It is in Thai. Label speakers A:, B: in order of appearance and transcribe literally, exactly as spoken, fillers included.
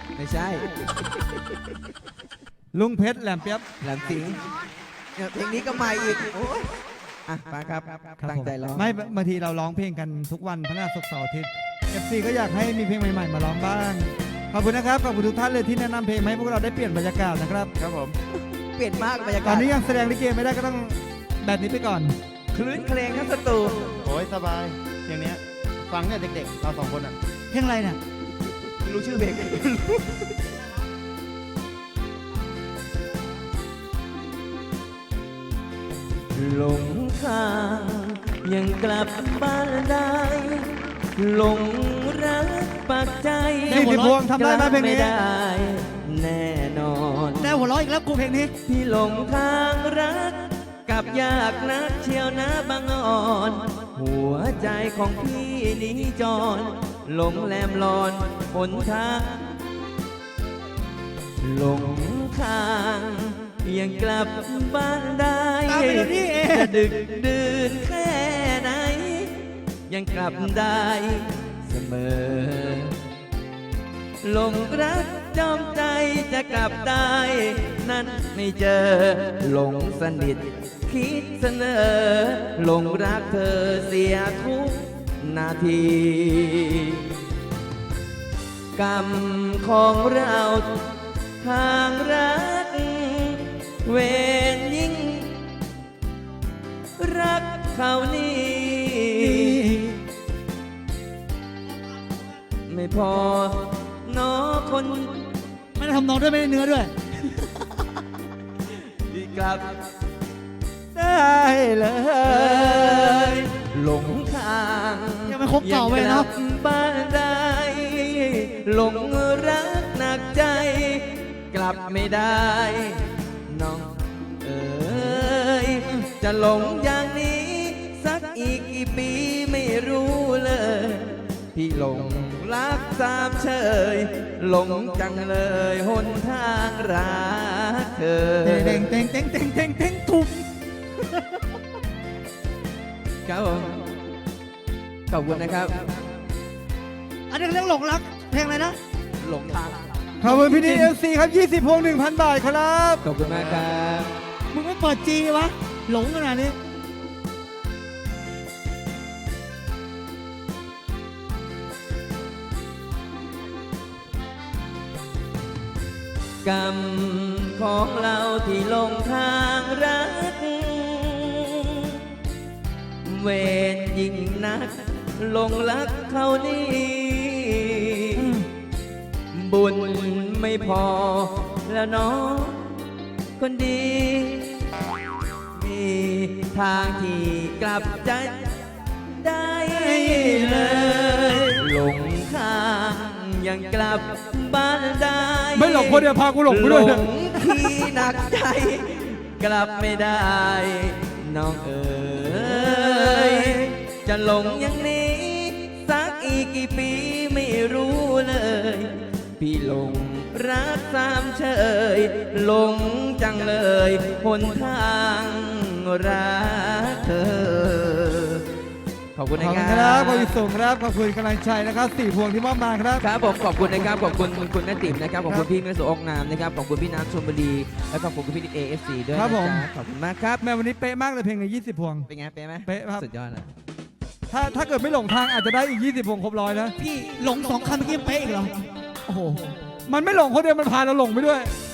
A: ไม่ใช่
B: ลุงเพชรแหลมเปียบ
A: แหลมสิงห์เนี่ยเพลงนี้ก็ใหม่อีกโอ้ยอ่ะมาครับตั้งใจร้อง
B: ไม่บางทีเราร้องเพลงกันทุกวันพฤหัสศุกร์เสาร์อาทิตย์ เอฟ ซี ก็อยากให้มีเพลงใหม่ๆมาร้องบ้างขอบคุณนะครับขอบคุณทุกท่านเลยที่แนะนำเพลงมาให้พวกเราได้เปลี่ยนบรรยากาศนะครับครับผม
A: เปลี่ยนมากบรรยา
B: ต
A: กา
B: อ
A: ศ
B: นนี้ยังแสดงลิเกไม่ได้ก็ต้องแบบนี้ไปก่อน
A: คลื่นเพลงทั้งสตู
C: โอ้ยสบายเพลงเนี้ยฟังเนี่ยเด็กๆเราสองคนอ่ะ
B: เพลงอะไรเนี่ย
A: ไม่รู้ชื่อเพลง หลงทางยังกลับบ้านได้หลงรักปักใจ
B: นี่พี่พวงทำได้ไหมเพลงนี้
A: ไม่ได้แน่นอน
B: แน่หัวเราะอีกแล้วกูเพลงนี้
A: พี่หลงทางรักกับยากนักเชียวนะบางอ่อน หัวใจของพี่นี้จรหลงแหลมลอนหนทางหลงทางยังกลับบ้านได้
B: ตามไปเดี๋ยวนี้เอง
A: จะดึกดื่นแค่ไหน ยังกลับได้เสมอหลงรักจอมใจจะกลับได้ นั้นไม่เจอหลงสนิทคิดเสนอหลงรักเธอเสียทุกนาที กรรมของเราทางรักเวรยิ่งรักเขานี่ไม่พอน้อคน
B: ไม่ได้ทำนองด้วยไม่ได้เนื้อด้วย
A: ที่กลับได้เลยหลงทาง
B: ยังไม่ครบเก่าไว้เนอะ
A: ยังกลับบ้านได้หลงรักหนักใจ กลับไม่ได้น้องเอ๋ยจะหลงอย่างนี้ สักอีกกี่ปีไม่รู้เลย พี่หลงรักสามเชยหลงจังเลยหนทางรักเธอ
B: เต่งเต่งเต่งเต่งเต่งเต่งทุบ
A: ครับผมขอบคุณนะครับ
B: อันนี้เขาเรียกหลงรักเพลงอะไรนะ
A: หลงทาง
B: ขอบคุณพี่ดีเอฟซีครับยี่สิบพวงหนึ่งพันบาทครับ
A: ขอบคุณมากครับ
B: มึงไม่เปิดจีวะ หลงขนาดนี้
A: กรรมของเราที่ลงทางรัก เวรยิ่งนักหลงรักเขานี่บุญไม่พอแล้วเน้องคนดี มีทางที่กลับใจได้เลยหลงทางยังกลับบ้านได้
B: ไม่หลงคนเดียวพากูหลงไปด้วย
A: หลงที่หนักใจ กลับไม่ได้ น้องเอ๋ยจะหลงอย่างนี้ สักอีกกี่ปีไม่รู้เลย พี่หลงรักสามเชยหลงจังเลยหนทางรักเธอ ขอบคุณ
B: ข
A: นะ
B: อบ
A: ค
B: คุ
A: รั
B: ณ
A: บ
B: ครับขอบคุณส่งครับ ขอบคุณกำลังใจนะครับสี่พวงที่มอบมาครับ
A: ครับผมขอบคุณนะครับขอบคุณคุณแม่ติ๋มนะครับขอบคุณพี่เมสุองนามนะครับขอบคุณพี่น้ำชลบุรีและขอบคุณพี่นิดเอเอฟซีด้วย
B: ครับ
A: นะ
B: ผม
A: จ๊ะขอบคุณมากครับ
B: แม่วันนี้เป๊ะมากเลยเพลงในยี่สิบพวง
A: เป็นไงเป๊ะไหม
B: เป๊ะครับ
A: สุดยอดเลย
B: ถ้าถ้าเกิดไม่หลงทางอาจจะได้อีกยี่สิบพวงครบร้อยนะ
D: พี่หลงสองคำเมื่อกี้ยังเป๊ะอีกเหรอ โอ้โห
B: มันไม่หลงคนเดียวมันพาเราหลงไปด้วย
D: เ